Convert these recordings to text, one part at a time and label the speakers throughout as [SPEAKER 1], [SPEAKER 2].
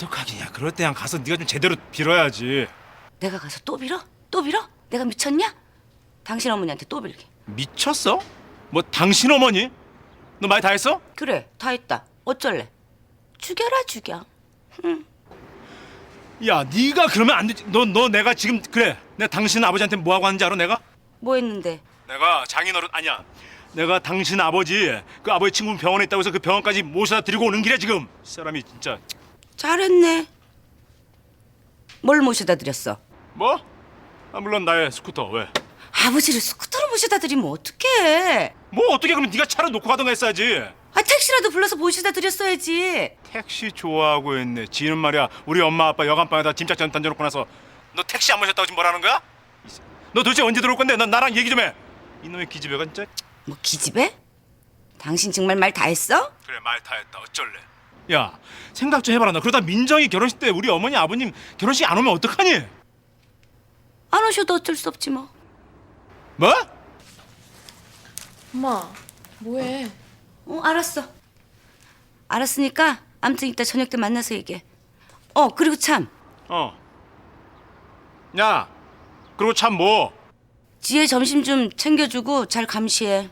[SPEAKER 1] 어떡하겠냐. 그럴 때 그냥 가서 네가 좀 제대로 빌어야지.
[SPEAKER 2] 내가 가서 또 빌어? 또 빌어? 내가 미쳤냐? 당신 어머니한테 또 빌게.
[SPEAKER 1] 미쳤어? 뭐 당신 어머니? 너 말 다 했어?
[SPEAKER 2] 그래, 다 했다. 어쩔래? 죽여라 죽여.
[SPEAKER 1] 야, 네가 그러면 안 되지. 너 내가 지금 그래. 내가 당신 아버지한테 뭐 하고 하는지 알아? 내가?
[SPEAKER 2] 뭐 했는데?
[SPEAKER 1] 내가 장인어른 아니야. 내가 당신 아버지 그 아버지 친구 병원에 있다고 해서 그 병원까지 모셔다 드리고 오는 길에 지금. 이 사람이 진짜.
[SPEAKER 2] 잘했네. 뭘 모셔다 드렸어?
[SPEAKER 1] 뭐? 아, 물론 나의 스쿠터. 왜?
[SPEAKER 2] 아버지를 스쿠터로 모셔다 드리면 어떡해?
[SPEAKER 1] 뭐 어떻게 그러면 네가 차를 놓고 가던가 했어야지.
[SPEAKER 2] 아, 택시라도 불러서 모셔다 드렸어야지.
[SPEAKER 1] 택시 좋아하고 있네. 지는 말이야. 우리 엄마 아빠 여간방에다 짐짝 전 던져놓고 나서 너 택시 안 모셨다고 지금 뭐라는 거야? 너 도대체 언제 들어올 건데? 넌 나랑 얘기 좀 해. 이놈의 기집애가 진짜.
[SPEAKER 2] 뭐 기집애? 당신 정말 말 다 했어?
[SPEAKER 1] 그래, 말 다 했다. 어쩔래. 야, 생각 좀 해봐라. 너 그러다 민정이 결혼식 때 우리 어머니 아버님 결혼식 안 오면 어떡하니?
[SPEAKER 2] 안 오셔도 어쩔 수 없지 뭐.
[SPEAKER 1] 뭐?
[SPEAKER 3] 엄마, 뭐해?
[SPEAKER 2] 알았어. 알았으니까 아무튼 이따 저녁 때 만나서 얘기해. 그리고 참
[SPEAKER 1] 야, 그리고 참 뭐?
[SPEAKER 2] 지혜 점심 좀 챙겨주고 잘 감시해.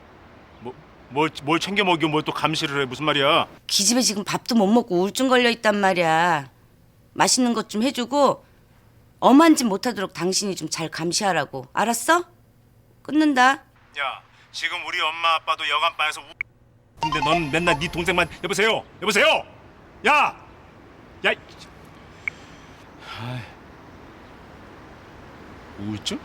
[SPEAKER 1] 뭘 챙겨 먹이고 뭘 또 감시를 해. 무슨 말이야?
[SPEAKER 2] 기집애 지금 밥도 못 먹고 우울증 걸려 있단 말이야. 맛있는 것 좀 해주고 엄한 짓 못하도록 당신이 좀 잘 감시하라고. 알았어? 끊는다.
[SPEAKER 1] 야, 지금 우리 엄마 아빠도 여간방에서 근데 넌 맨날 네 동생만 여보세요? 야! 야! 우울증?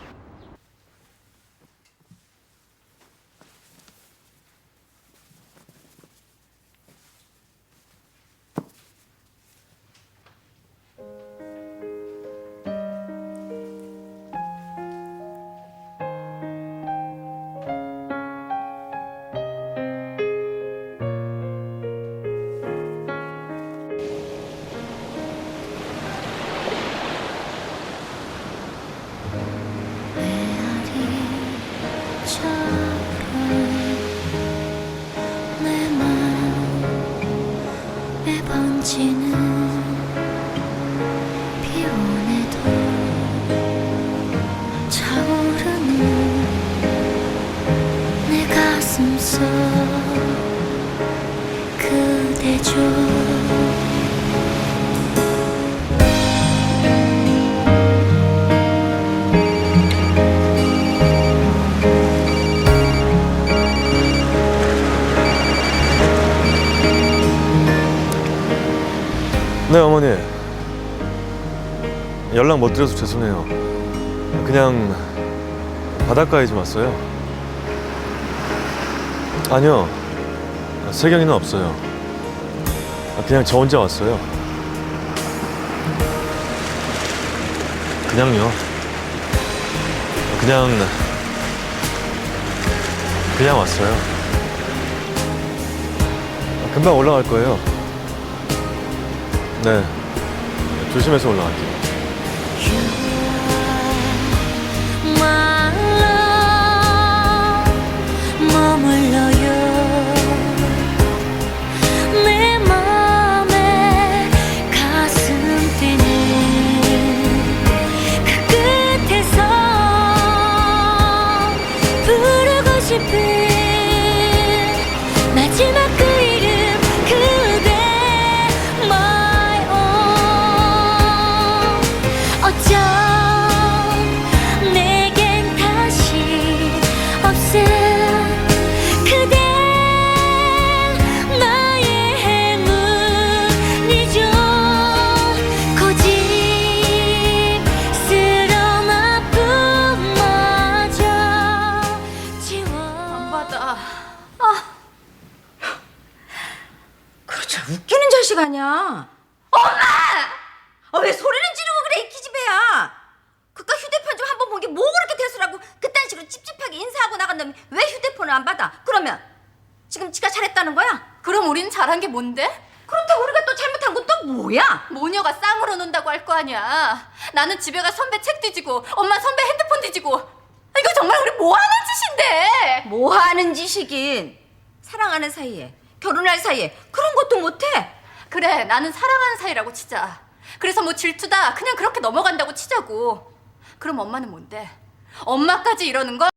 [SPEAKER 4] 번지는 비오네도 차오르는 내 가슴속 그대죠.
[SPEAKER 5] 네, 어머니. 연락 못 드려서 죄송해요. 그냥 바닷가에 좀 왔어요. 아니요, 세경이는 없어요. 그냥 저 혼자 왔어요. 그냥요. 그냥 왔어요. 금방 올라갈 거예요. 네, 조심해서 올라갈게요.
[SPEAKER 4] 머물러요 내 맘에 가슴 뛰는 그 끝에서 부르고 싶은 마지막 그 이름 그대 my own. 어쩜 내겐 다시 없음 그대 나의 행운이죠. 고집스러운 아픔마저 지워.
[SPEAKER 3] 안 받아.
[SPEAKER 2] 그거 저 웃기는 자식 아니야. 엄마! 왜 소리는 지르고 그래 이 기집애야. 그깟 휴대폰 좀 한번 본 게 뭐 그렇게 대수라고 그딴 식으로 찝찝하게 인사하고 나간 다음에 왜 휴대폰을 안 받아? 그러면 지금 지가 잘했다는 거야?
[SPEAKER 3] 그럼 우린 잘한 게 뭔데?
[SPEAKER 2] 그렇다고 우리가 또 잘못한 건 또 뭐야?
[SPEAKER 3] 모녀가 쌍으로 논다고 할 거 아니야. 나는 집에 가 선배 책 뒤지고 엄마 선배 핸드폰 뒤지고. 이거 정말 우리 뭐 하는 짓인데?
[SPEAKER 2] 뭐 하는 짓이긴. 사랑하는 사이에 결혼할 사이에 그런 것도 못해?
[SPEAKER 3] 그래, 나는 사랑하는 사이라고 치자. 그래서 뭐 질투다 그냥 그렇게 넘어간다고 치자고. 그럼 엄마는 뭔데? 엄마까지 이러는 거?